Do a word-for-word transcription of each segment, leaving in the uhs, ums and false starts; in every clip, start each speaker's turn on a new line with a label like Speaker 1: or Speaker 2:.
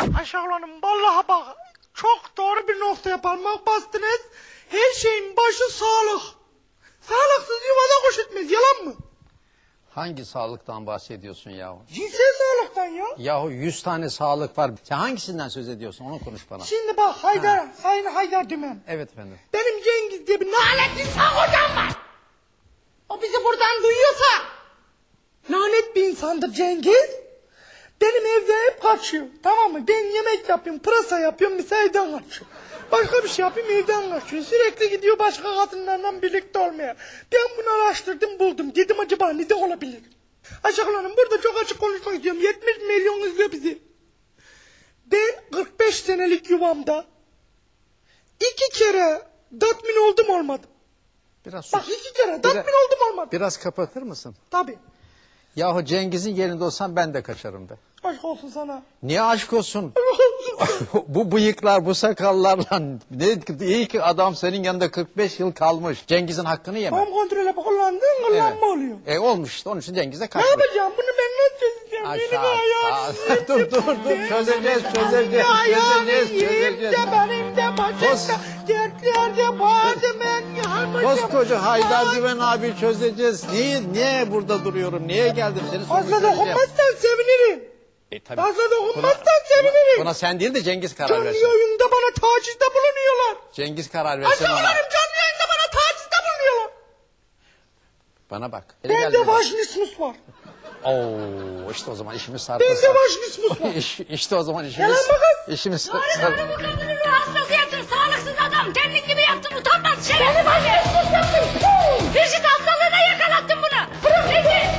Speaker 1: Ayşegül Hanım vallahi bak çok doğru bir noktaya parmak bastınız. Her şeyin başı sağlık. Sağlıksız yuvada kuş etmez, yalan mı?
Speaker 2: Hangi sağlıktan bahsediyorsun yahu?
Speaker 1: Cinsel sağlıktan ya.
Speaker 2: Yahu yüz tane sağlık var. Sen hangisinden söz ediyorsun? Onu konuş bana.
Speaker 1: Şimdi bak Haydar, ha. Sayın Haydar Dümen.
Speaker 2: Evet efendim.
Speaker 1: Benim Cengiz diye bir lanet insan hocam var. O bizi buradan duyuyorsa lanet bir insandır Cengiz. Benim evde hep kaçıyor, tamam mı? Ben yemek yapıyorum, pırasa yapıyorum, mesela evden kaçıyor. Başka bir şey yapayım, evden kaçıyor. Sürekli gidiyor başka kadınlarla birlikte olmaya. Ben bunu araştırdım, buldum. Dedim acaba neden olabilir? Ayşegül Hanım burada çok açık konuşmak istiyorum. yetmiş milyon izliyor bizi. Ben kırk beş senelik yuvamda iki kere tatmin oldum olmadım.
Speaker 2: Biraz sus.
Speaker 1: Bak iki kere tatmin
Speaker 2: Biraz-
Speaker 1: oldum olmadım.
Speaker 2: Biraz kapatır mısın?
Speaker 1: Tabii.
Speaker 2: Yahu Cengiz'in yerinde olsam ben de kaçarım be.
Speaker 1: Aşk olsun sana.
Speaker 2: Niye aşk olsun?
Speaker 1: Aşk olsun.
Speaker 2: Bu bıyıklar, bu sakallarla ne iyi ki adam senin yanında kırk beş yıl kalmış. Cengiz'in hakkını yeme.
Speaker 1: Tam kontrole kullandığın kullanma
Speaker 2: Evet.
Speaker 1: oluyor.
Speaker 2: E olmuş işte onun için Cengiz'e
Speaker 1: Ne
Speaker 2: kaçmış.
Speaker 1: yapacağım bunu ben nasıl çözeceğim? Benim
Speaker 2: Aşağı.
Speaker 1: ayağım
Speaker 2: Aa, dur dur dur çözeceğiz çözeceğiz çözeceğiz çözeceğiz.
Speaker 1: Benim de başımda dertlerde bağırdım ben yalmışım.
Speaker 2: Koskoca Haydar Dümen abi çözeceğiz. Niye niye burada duruyorum? Niye geldim seni
Speaker 1: Fazla
Speaker 2: sorgulayacağım.
Speaker 1: dokunmazsan sevinirim.
Speaker 2: E, tabii.
Speaker 1: Fazla dokunmazsan
Speaker 2: Buna-
Speaker 1: sevinirim.
Speaker 2: Buna sen değil de Cengiz karar
Speaker 1: Canlı
Speaker 2: versin.
Speaker 1: yayında bana tacizde bulunuyorlar.
Speaker 2: Cengiz karar versin ona.
Speaker 1: Aşağılarım canlı yayında bana tacizde bulunuyorlar.
Speaker 2: Bana bak. Hele gel
Speaker 1: Bende
Speaker 2: bir bak.
Speaker 1: vajinismus var.
Speaker 2: Oo işte o zaman işimiz sarpa
Speaker 1: Bende
Speaker 2: sarpa.
Speaker 1: vajinismus var.
Speaker 2: İş, işte o zaman işimiz.
Speaker 1: Yalan mı kız?
Speaker 2: İşimiz
Speaker 3: Doğru
Speaker 2: sarpa.
Speaker 3: doğru bu kadını ruh hastası yaptın. Sağlıksız adam. Kendin gibi yaptın. Utanmaz şerefsiz.
Speaker 1: Beni vajinismus yaptın.
Speaker 3: Vücut hastalığına yakalattın bunu. Rezil.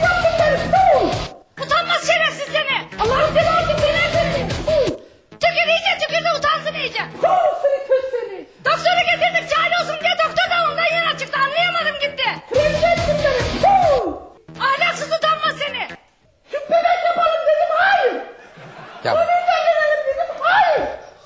Speaker 3: Utanmaz şerefsiz seni.
Speaker 1: Allah'ın seversin beni efendim.
Speaker 3: Tükür iyice tükürdü utansın iyice.
Speaker 1: Seni kız seni.
Speaker 3: Doktoru getirdik cahil olsun diye doktor da ondan yana çıktı. Anlayamadım gitti.
Speaker 1: Kremlensin beni.
Speaker 3: Ahlaksız utanmaz seni.
Speaker 1: Bebek yapalım dedim hayır.
Speaker 2: Ya,
Speaker 1: Bebek verelim dedim hayır.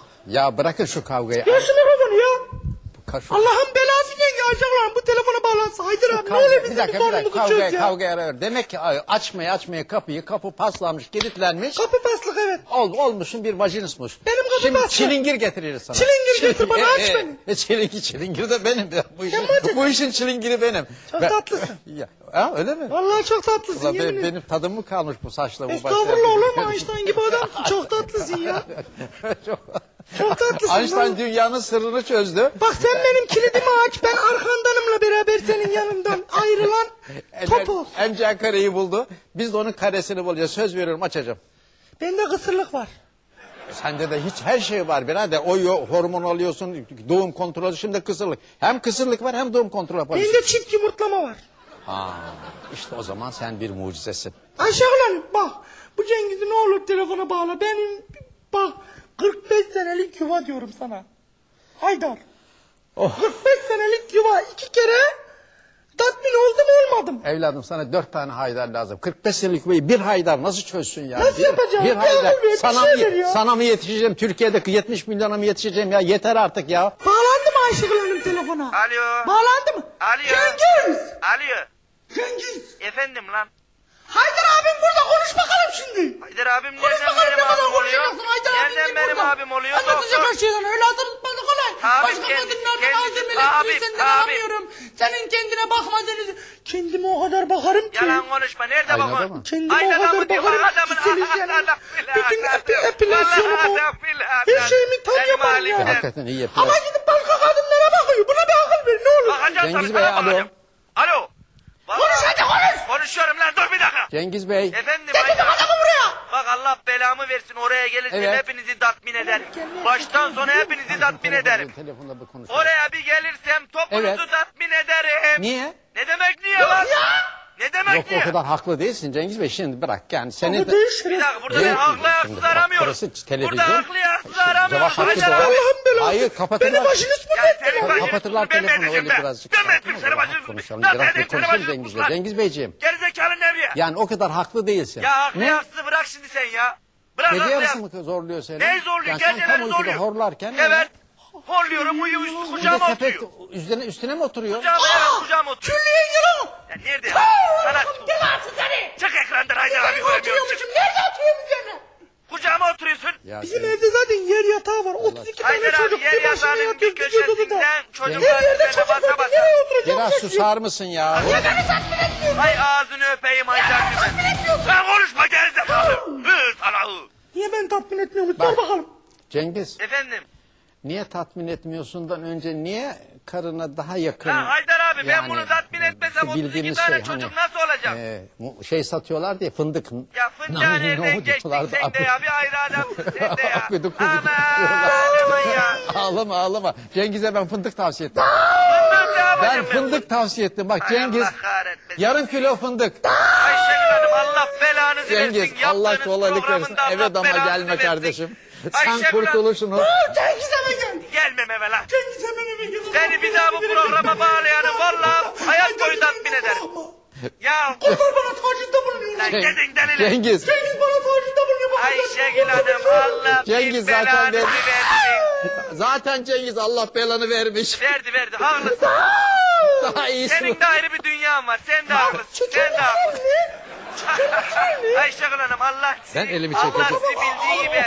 Speaker 2: ya bırakın şu kavgayı.
Speaker 1: Ya şu mikrofonu ya.
Speaker 2: Ka- şu-
Speaker 1: Allah'ın belası ne gelecekler bu telefona bağlansa Haydar abi ne
Speaker 2: Kavga,
Speaker 1: öyle
Speaker 2: bir
Speaker 1: bizim
Speaker 2: dakika bir dakika
Speaker 1: sorunumuzu
Speaker 2: kavgaya
Speaker 1: çöz ya.
Speaker 2: kavgaya ara ver. Demek ki ay, açmaya açmaya kapıyı kapı paslanmış kilitlenmiş.
Speaker 1: Kapı paslık evet.
Speaker 2: Ol, olmuşsun bir vajinismus.
Speaker 1: Benim kapı
Speaker 2: Şimdi
Speaker 1: paslı.
Speaker 2: çilingir getiririz sana.
Speaker 1: Çilingir getir bana, aç
Speaker 2: e,
Speaker 1: beni.
Speaker 2: E, çilingir, çilingir de benim. Ya. Bu, işin,
Speaker 1: bacım.
Speaker 2: bu işin çilingiri benim.
Speaker 1: Çok
Speaker 2: Ben-
Speaker 1: tatlısın.
Speaker 2: Ya, ha, öyle mi?
Speaker 1: Vallahi çok tatlısın
Speaker 2: Ulan
Speaker 1: yemin
Speaker 2: be-
Speaker 1: ederim.
Speaker 2: benim tadım mı kalmış bu saçla bu
Speaker 1: Estağfurullah olur mu Einstein gibi adamsın çok tatlısın ya.
Speaker 2: Çok,
Speaker 1: Çok tatlısın.
Speaker 2: Einstein
Speaker 1: vallahi.
Speaker 2: dünyanın sırrını çözdü.
Speaker 1: Bak sen benim kilidimi aç ben arkandanımla beraber senin yanından ayrılan top ol.
Speaker 2: M C kareyi buldu. Biz de onun karesini bulacağız. Söz veriyorum açacağım.
Speaker 1: Bende kısırlık var.
Speaker 2: Sende de hiç her şey var birader. O yo- hormon alıyorsun, doğum kontrolü, şimdi kısırlık. Hem kısırlık var hem doğum kontrolü yapıyorsun.
Speaker 1: Bende çift yumurtlama var.
Speaker 2: Ha, işte o zaman sen bir mucizesin.
Speaker 1: Ayşegül Hanım bak bu Cengiz'i ne olur telefona bağla. Benim bak kırk beş senelik yuva diyorum sana. Haydar.
Speaker 2: Oh.
Speaker 1: kırk beş senelik yuva iki kere tatmin oldum olmadım.
Speaker 2: Evladım sana dört tane haydar lazım. kırk beş senelik yuvayı bir haydar nasıl çözsün ya?
Speaker 1: Nasıl
Speaker 2: bir,
Speaker 1: yapacağım?
Speaker 2: Bir
Speaker 1: Ya
Speaker 2: haydar.
Speaker 1: bu bir
Speaker 2: Sana,
Speaker 1: şeydir
Speaker 2: mı,
Speaker 1: ya.
Speaker 2: sana mı yetişeceğim? Türkiye'deki yetmiş milyona mı yetişeceğim ya? Yeter artık ya.
Speaker 1: Bağlandı mı Ayşegül Hanım telefona?
Speaker 4: Alo.
Speaker 1: Bağlandı mı?
Speaker 4: Alo.
Speaker 1: Cengiz.
Speaker 4: Alo.
Speaker 1: Cengiz.
Speaker 4: Efendim lan.
Speaker 1: Haydar abim burada konuş bakalım şimdi.
Speaker 4: Haydar abim
Speaker 1: Konuş
Speaker 4: nereden
Speaker 1: bakalım
Speaker 4: benim
Speaker 1: ne kadar
Speaker 4: abim oluyor?
Speaker 1: konuşacaksın Haydar abim
Speaker 4: Nereden
Speaker 1: kim
Speaker 4: benim
Speaker 1: burada?
Speaker 4: abim oluyor?
Speaker 1: Anlatacak
Speaker 4: Doktor.
Speaker 1: her şeyden öyle hatırlatmadı kolay.
Speaker 4: Abim
Speaker 1: Başka
Speaker 4: kendisi,
Speaker 1: kadınlardan
Speaker 4: kendisi,
Speaker 1: malzemeler
Speaker 4: abim,
Speaker 1: değil senden
Speaker 4: abim.
Speaker 1: alamıyorum. Senin kendine bakmadığını. Kendime o kadar bakarım ki.
Speaker 4: Yalan konuşma. Nerede
Speaker 2: Aynada
Speaker 4: bakın?
Speaker 2: mı?
Speaker 1: Kendime o
Speaker 4: Aynada
Speaker 1: kadar
Speaker 4: mı diyor?
Speaker 1: bakarım
Speaker 4: Bak
Speaker 1: ki
Speaker 4: adamın
Speaker 1: sileceğim.
Speaker 4: Allah billahi.
Speaker 1: Bütün epi,
Speaker 4: Allah
Speaker 1: epilasyonumu,
Speaker 4: Allah billahi.
Speaker 1: her şeyimi tam
Speaker 4: Benim
Speaker 1: yaparım
Speaker 4: halim
Speaker 1: ya.
Speaker 4: de.
Speaker 2: Hakikaten iyi yapıyor.
Speaker 1: Ama gidip başka kadınlara bakıyor. Buna bir akıl ver ne olur.
Speaker 4: Bakacağım
Speaker 2: Cengiz
Speaker 4: tabii,
Speaker 2: Bey,
Speaker 4: sana
Speaker 2: alo.
Speaker 4: bakacağım. Alo. Vallahi-
Speaker 1: Konuş hadi konuş.
Speaker 4: Konuşuyorum lan dur bir dakika.
Speaker 2: Cengiz Bey.
Speaker 4: Efendim
Speaker 1: Getirdim
Speaker 4: Haydar.
Speaker 1: adamı buraya.
Speaker 4: Bak Allah belamı versin oraya gelirsem
Speaker 2: Evet.
Speaker 4: hepinizi tatmin ederim. Baştan sona hepinizi tatmin ederim.
Speaker 2: Telefonda bir konuşalım.
Speaker 4: Oraya bir gelirsem topunuzu
Speaker 2: Evet.
Speaker 4: tatmin ederim.
Speaker 2: Niye?
Speaker 4: Ne demek niye lan? Ne demek
Speaker 2: Yok
Speaker 4: niye?
Speaker 2: o kadar haklı değilsin Cengiz Bey. Şimdi bırak yani seni
Speaker 1: Ama
Speaker 2: de...
Speaker 1: değil
Speaker 4: Bir
Speaker 1: şeref.
Speaker 4: dakika burada
Speaker 2: Yok,
Speaker 4: ben haklı haksız
Speaker 2: şimdi bak,
Speaker 4: aramıyoruz.
Speaker 2: burası televizyon.
Speaker 4: Burada haklı haksız aramıyoruz.
Speaker 2: Cevap hakkı
Speaker 4: Haydar
Speaker 2: da var.
Speaker 4: abi.
Speaker 1: Allah'ın belası.
Speaker 2: Hayır, kapatırlar.
Speaker 1: Beni başınız mı
Speaker 4: Ya
Speaker 1: etti?
Speaker 4: senin başını
Speaker 2: Kapatırlar
Speaker 4: tuttu, ben
Speaker 2: telefonu
Speaker 4: vereceğim
Speaker 2: öyle
Speaker 4: ben.
Speaker 2: birazcık.
Speaker 4: Ben
Speaker 2: sakin
Speaker 4: verdim
Speaker 2: ol,
Speaker 4: seni
Speaker 2: rahat
Speaker 4: başını.
Speaker 2: konuşalım.
Speaker 4: Lan
Speaker 2: Biraz
Speaker 4: senin
Speaker 2: bir konuşalım
Speaker 4: başını
Speaker 2: Cengiz Bey.
Speaker 4: tuttular.
Speaker 2: Cengiz Beyciğim.
Speaker 4: Gerizekalı Nevriye.
Speaker 2: Yani o kadar haklı değilsin.
Speaker 4: Ya haklı
Speaker 2: Ne?
Speaker 4: haksız bırak şimdi sen ya. Bırak
Speaker 2: Gece
Speaker 4: haklı
Speaker 2: yarısı
Speaker 4: haksız.
Speaker 2: mı zorluyor seni?
Speaker 4: Neyi zorluyor?
Speaker 2: Yani sen
Speaker 4: Geceleri
Speaker 2: tam uykuda
Speaker 4: zorluyor.
Speaker 2: horlarken...
Speaker 4: Evet. Horluyorum uyuyor üstü
Speaker 2: Bir de
Speaker 4: kucağıma
Speaker 2: köpek
Speaker 4: oturuyor.
Speaker 2: üstüne, üstüne mi oturuyor?
Speaker 4: Kucağıma evet kucağıma oturuyor.
Speaker 1: Külliye yılan.
Speaker 4: Ya nerede ya? Sana
Speaker 1: Allah'ın belası seni.
Speaker 4: çık ekrandan Haydar abi
Speaker 1: Nerede
Speaker 4: göremiyorum.
Speaker 1: oturuyormuşum? Nerede oturuyormuş üzerine?
Speaker 4: Kucağıma oturuyorsun.
Speaker 2: Ya
Speaker 1: Bizim
Speaker 2: sen-
Speaker 1: evde zaten yer yatağı var. otuz iki tane
Speaker 4: Haydar abi
Speaker 1: çocuk
Speaker 4: yer
Speaker 1: bir başına
Speaker 4: yatağının bir
Speaker 1: yatıyor. Gidiyoruz odada.
Speaker 4: köşesinden
Speaker 1: Her
Speaker 4: çocuklar
Speaker 1: yerde
Speaker 4: üzerine
Speaker 1: çocuk
Speaker 4: basa
Speaker 1: var.
Speaker 4: basa.
Speaker 1: Nereye oturacağım?
Speaker 2: Biraz
Speaker 1: Şaşırıyor.
Speaker 2: susar mısın ya?
Speaker 1: Niye beni tatmin etmiyorsun?
Speaker 4: Hay ağzını öpeyim Haydar gibi. Sen konuşma gerizekalı. Hı sana hı.
Speaker 1: Niye beni tatmin etmiyormuş?
Speaker 2: Bak.
Speaker 1: Sor bakalım.
Speaker 2: Cengiz,
Speaker 4: Efendim.
Speaker 2: niye tatmin etmiyorsundan önce niye karına daha yakın?
Speaker 4: Ha Haydar abi ben
Speaker 2: Yani,
Speaker 4: bunu tatmin etmesem
Speaker 2: şu
Speaker 4: otuz iki
Speaker 2: bildiğimiz
Speaker 4: tane
Speaker 2: şey,
Speaker 4: çocuk
Speaker 2: hani,
Speaker 4: nasıl olacak?
Speaker 2: e, mu- şey satıyorlar diye fındık.
Speaker 4: Ya fındığa
Speaker 2: Nane
Speaker 4: nereden
Speaker 2: nohut
Speaker 4: geçtin
Speaker 2: diyorlardı.
Speaker 4: sen de ya bir ayrı adamsın sen de ya.
Speaker 2: Akıdı kuzu
Speaker 4: Aman
Speaker 2: diyorlar.
Speaker 4: aman ya.
Speaker 2: Ağlama ağlama. Cengiz'e ben fındık tavsiye ettim.
Speaker 4: Fındık ne
Speaker 2: Ben
Speaker 4: yapacağım
Speaker 2: fındık tavsiye ettim. Bak
Speaker 4: Hay
Speaker 2: Cengiz
Speaker 4: Allah kahretmesin.
Speaker 2: yarım kilo fındık.
Speaker 4: Ayşegül Hanım Allah belanızı
Speaker 2: Cengiz
Speaker 4: versin.
Speaker 2: Allah
Speaker 4: Yaptığınız
Speaker 2: kolaylık versin.
Speaker 4: programında Allah
Speaker 2: Evet ama
Speaker 4: belanızı
Speaker 2: gelme
Speaker 4: versin.
Speaker 2: kardeşim. Sen
Speaker 4: Ayşegül Hanım-
Speaker 2: kurtuluşunu.
Speaker 1: Aa, Cengiz eve gel.
Speaker 4: Gelmem eve lan.
Speaker 1: Cengiz hemen eve gel.
Speaker 4: Seni bir daha bu programa bağlayanı valla hayat boyu tatmin ederim. Ya
Speaker 1: Kurtar bana tacizde bulunuyor.
Speaker 4: lan
Speaker 2: Ceng-
Speaker 4: gidin delile.
Speaker 2: Cengiz.
Speaker 1: Cengiz bana tacizde bulunuyor. Bak,
Speaker 4: Ayşegül Hanım Allah
Speaker 2: Cengiz
Speaker 4: bir
Speaker 2: zaten
Speaker 4: belanızı
Speaker 2: ver-
Speaker 4: versin.
Speaker 2: Zaten Cengiz Allah belanı vermiş.
Speaker 4: Verdi verdi haklısın.
Speaker 2: Daha iyisi.
Speaker 4: Senin de ayrı bir dünyan var. Sen de haklısın. Sen de haklısın. Ayşegül Hanım Allah sizi,
Speaker 2: Ben elimi
Speaker 4: Allah
Speaker 2: çekeceğim.
Speaker 4: sizi bildiği gibi